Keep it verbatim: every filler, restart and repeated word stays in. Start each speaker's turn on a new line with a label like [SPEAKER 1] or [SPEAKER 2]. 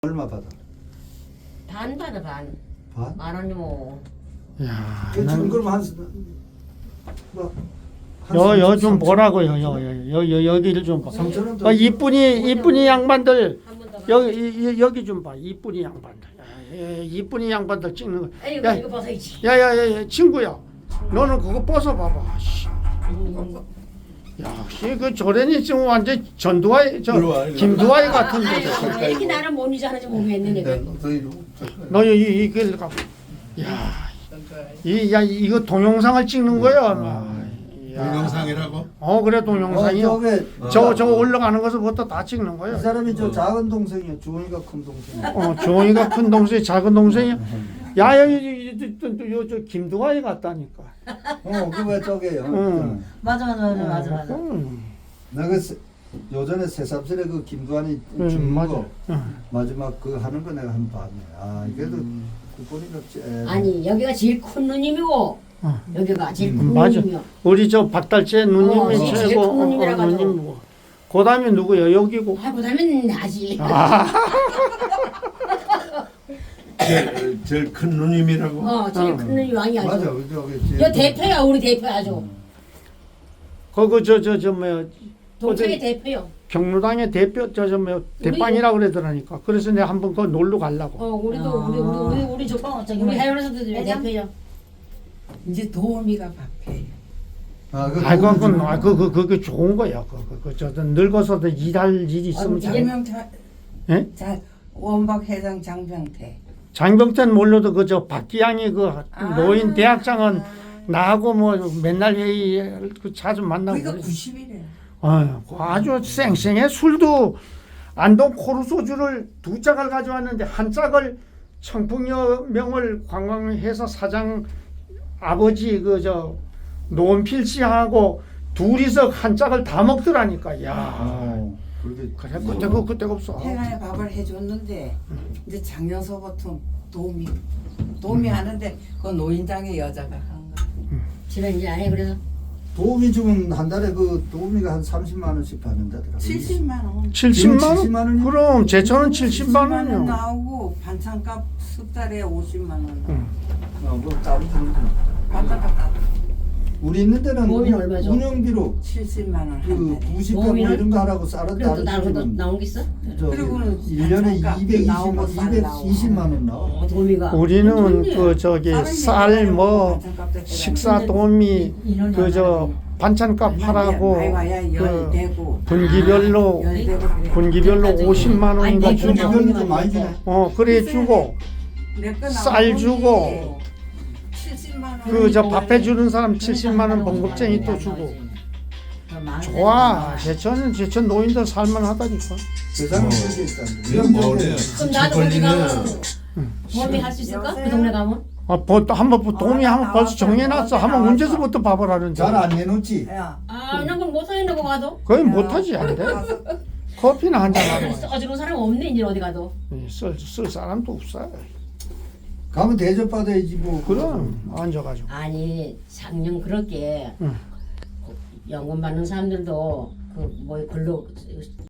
[SPEAKER 1] 얼마 받아?
[SPEAKER 2] 반 받아 반.
[SPEAKER 1] 반?
[SPEAKER 2] 만 원이 뭐.
[SPEAKER 3] 야,
[SPEAKER 1] 그 지금 그럼 한 뭐, 한
[SPEAKER 3] 여, 여
[SPEAKER 1] 삼천,
[SPEAKER 3] 좀
[SPEAKER 1] 삼천.
[SPEAKER 3] 보라고요. 여, 여, 여, 여, 여기를 좀 봐.
[SPEAKER 1] 삼천 원 더.
[SPEAKER 3] 아, 이쁜이, 이쁜이 양반들,
[SPEAKER 2] 한번 더.
[SPEAKER 3] 여기, 이- 여기 좀 봐. 이쁜이 양반들. 야, 예, 이쁜이 양반들 찍는 거.
[SPEAKER 2] 아니
[SPEAKER 3] 야,
[SPEAKER 2] 이거 이거 벗어야지.
[SPEAKER 3] 야, 야, 야, 야, 친구야. 너는 그거 벗어봐봐. 씨.
[SPEAKER 2] 음.
[SPEAKER 3] 야, 씨, 그 조련이 지금 완전 전두환, 저,
[SPEAKER 4] 이리 와, 이리 와.
[SPEAKER 3] 김두환 같은데.
[SPEAKER 2] 아유, 이렇게 나를 못 이자는지 모르겠네 내가.
[SPEAKER 3] 너 이, 이, 이걸 가. 야, 이, 야, 이거 동영상을 찍는 거야. 야.
[SPEAKER 4] 동영상이라고?
[SPEAKER 3] 어, 그래,
[SPEAKER 1] 어,
[SPEAKER 3] 동영상이요.
[SPEAKER 1] 저게
[SPEAKER 3] 저, 저 올라가는 것부터 다 찍는
[SPEAKER 1] 이
[SPEAKER 3] 거야.
[SPEAKER 1] 사람이 저 작은 동생이야. 주원이가 큰 동생.
[SPEAKER 3] 어, 조이가 큰 동생이 작은 동생이야. 야, 여기, 저 김두환이 같다니까.
[SPEAKER 1] 어, 그거 저게요.
[SPEAKER 3] 응.
[SPEAKER 2] 맞아 맞아 맞아 맞아 맞아.
[SPEAKER 3] 음,
[SPEAKER 1] 내가 세- 요전에 새삼스레 그 김두한이
[SPEAKER 3] 음,
[SPEAKER 1] 죽는
[SPEAKER 3] 맞아.
[SPEAKER 1] 거
[SPEAKER 3] 응.
[SPEAKER 1] 마지막 그 하는 거 내가 한 번 봤네. 아, 그래도 그 보니까 쟤-
[SPEAKER 2] 아니 여기가 제일 큰 누님이고
[SPEAKER 3] 어.
[SPEAKER 2] 여기가 제일
[SPEAKER 1] 음,
[SPEAKER 2] 큰
[SPEAKER 3] 맞아.
[SPEAKER 2] 누님이요.
[SPEAKER 3] 우리 저 박달재
[SPEAKER 2] 어,
[SPEAKER 3] 누님이
[SPEAKER 2] 제일
[SPEAKER 3] 최고.
[SPEAKER 2] 큰 누님이라 가지고.
[SPEAKER 3] 누님이고. 그 다음에 누구야? 여기고.
[SPEAKER 2] 아 그다음엔 나지.
[SPEAKER 3] 아,
[SPEAKER 4] 제일, 제일 큰 누님이라고?
[SPEAKER 2] 어 제일
[SPEAKER 3] 어.
[SPEAKER 2] 큰 누님 왕이 아주.
[SPEAKER 1] 맞아. 저기 쟤-
[SPEAKER 2] 여 대표야 우리 대표 아주.
[SPEAKER 3] 그거 저, 저, 저, 뭐야.
[SPEAKER 2] 동창의
[SPEAKER 3] 어디
[SPEAKER 2] 대표요.
[SPEAKER 3] 경로당의 대표, 저, 저, 뭐, 대빵이라고 그러더라니까. 그래서 내가 한번 그 놀러 가려고.
[SPEAKER 2] 어 우리도 우리 우리 우리 우리 저
[SPEAKER 5] 어, 저기
[SPEAKER 2] 우리
[SPEAKER 5] 뭐야.
[SPEAKER 2] 하연에서도 대표요.
[SPEAKER 5] 이제 도우미가 밥해.
[SPEAKER 1] 아, 그
[SPEAKER 3] 아이고,
[SPEAKER 1] 거기
[SPEAKER 3] 그건,
[SPEAKER 1] 좀-
[SPEAKER 3] 아, 그, 그, 그게 좋은 거야. 그, 그, 그, 저, 늙어서도 일할 일이 있으면 잘.
[SPEAKER 5] 장병태,
[SPEAKER 3] 예?
[SPEAKER 5] 자 원박 회장 장병태.
[SPEAKER 3] 장병태는 몰라도 그, 저, 박기양이 그,
[SPEAKER 5] 아.
[SPEAKER 3] 노인 대학장은 나하고 뭐 맨날 회의 그 자주 만나고.
[SPEAKER 5] 그러니까
[SPEAKER 3] 그래.
[SPEAKER 5] 구십 일이야.
[SPEAKER 3] 어, 아주 쌩쌩해. 술도 안동 코르 소주를 두 짝을 가져왔는데 한 짝을 청풍여명을 관광해서 사장 아버지 그 저 노원필 씨하고 둘이서 한 짝을 다 먹더라니까. 야,
[SPEAKER 1] 어, 그렇게
[SPEAKER 3] 그래 그때가 그때가 없어.
[SPEAKER 5] 회관에 밥을 해줬는데 이제 작년서부터 도우미 도우미 하는데 그 노인장의 여자가 한 거.
[SPEAKER 2] 집에 이제 안 해 그래서.
[SPEAKER 1] 도우미 주면 한 달에 그 도우미가 한 삼십만 원씩 받는다더라고.
[SPEAKER 5] 칠십만 원.
[SPEAKER 3] 칠십만 원?
[SPEAKER 1] 칠십만 원이요?
[SPEAKER 3] 그럼 제천은 칠십만 원이요.
[SPEAKER 5] 원 나오고 반찬값 석 달에 오십만 원. 나오고.
[SPEAKER 3] 응.
[SPEAKER 1] 어, 뭐 따로 주는 거.
[SPEAKER 5] 반찬값 따로
[SPEAKER 1] 우리 있는 데는
[SPEAKER 2] 도우미는
[SPEAKER 1] 운영-
[SPEAKER 2] 얼마죠?
[SPEAKER 1] 운영비로
[SPEAKER 5] 칠십만 원 한
[SPEAKER 1] 그
[SPEAKER 5] 달에.
[SPEAKER 1] 부식하고 뭐
[SPEAKER 2] 도우미는?
[SPEAKER 1] 이런 거 하라고 싸라
[SPEAKER 2] 그래도
[SPEAKER 1] 따로
[SPEAKER 2] 나온 거
[SPEAKER 1] 주면
[SPEAKER 2] 나온 게 있어?
[SPEAKER 5] 그리고는
[SPEAKER 1] 일 년에
[SPEAKER 5] 반찬값
[SPEAKER 1] 이백이십만
[SPEAKER 5] 나오고 쌀 나오고.
[SPEAKER 1] 이백이십만 원 나와.
[SPEAKER 2] 어 도미가.
[SPEAKER 3] 우리는 그 저기
[SPEAKER 5] 다른
[SPEAKER 3] 쌀
[SPEAKER 5] 데는
[SPEAKER 3] 뭐
[SPEAKER 5] 반찬값도 해가지고.
[SPEAKER 3] 식사 도우미
[SPEAKER 5] 인원이
[SPEAKER 3] 그 저 반찬값 하라고
[SPEAKER 5] 많이 와야
[SPEAKER 3] 그
[SPEAKER 5] 열대고
[SPEAKER 3] 분기별로
[SPEAKER 5] 열대고 그래.
[SPEAKER 3] 분기별로 오십만 원인가
[SPEAKER 2] 아니,
[SPEAKER 3] 주고
[SPEAKER 1] 분기별로 좀 많이 주네.
[SPEAKER 3] 어 그래 주고
[SPEAKER 5] 내거
[SPEAKER 3] 쌀
[SPEAKER 5] 나오는
[SPEAKER 3] 주고
[SPEAKER 5] 게 칠십만 원.
[SPEAKER 3] 그 저 밥 해주는 사람 칠십만 원 봉급쟁이 또 주고 좋아 제천은 제천 노인들 살만하다니까.
[SPEAKER 1] 세상에
[SPEAKER 4] 어.
[SPEAKER 1] 그렇게 있다는데.
[SPEAKER 4] 이게 뭐래?
[SPEAKER 2] 그럼 나도 거기
[SPEAKER 4] 걸리네.
[SPEAKER 2] 가면 도미 할 수 있을까? 그 동네 가면?
[SPEAKER 3] 아, 뭐, 또 한번 뭐 도움이 한번 벌써 정해놨어. 한번 언제서부터 밥을 하는지.
[SPEAKER 1] 잘 안 내놓지.
[SPEAKER 5] 야,
[SPEAKER 2] 아, 난 그럼 못 사는다고 가도.
[SPEAKER 3] 거의 못하지 안 돼. 커피나 한잔 하고.
[SPEAKER 2] 어지러운 사람 없네 이제 어디 가도.
[SPEAKER 3] 쓸, 쓸 사람도 없어.
[SPEAKER 1] 가면 대접 받아야지 뭐.
[SPEAKER 3] 그럼 앉아가지고.
[SPEAKER 2] 아니 작년 그렇게
[SPEAKER 3] 응.
[SPEAKER 2] 연금 받는 사람들도 그 뭐 근로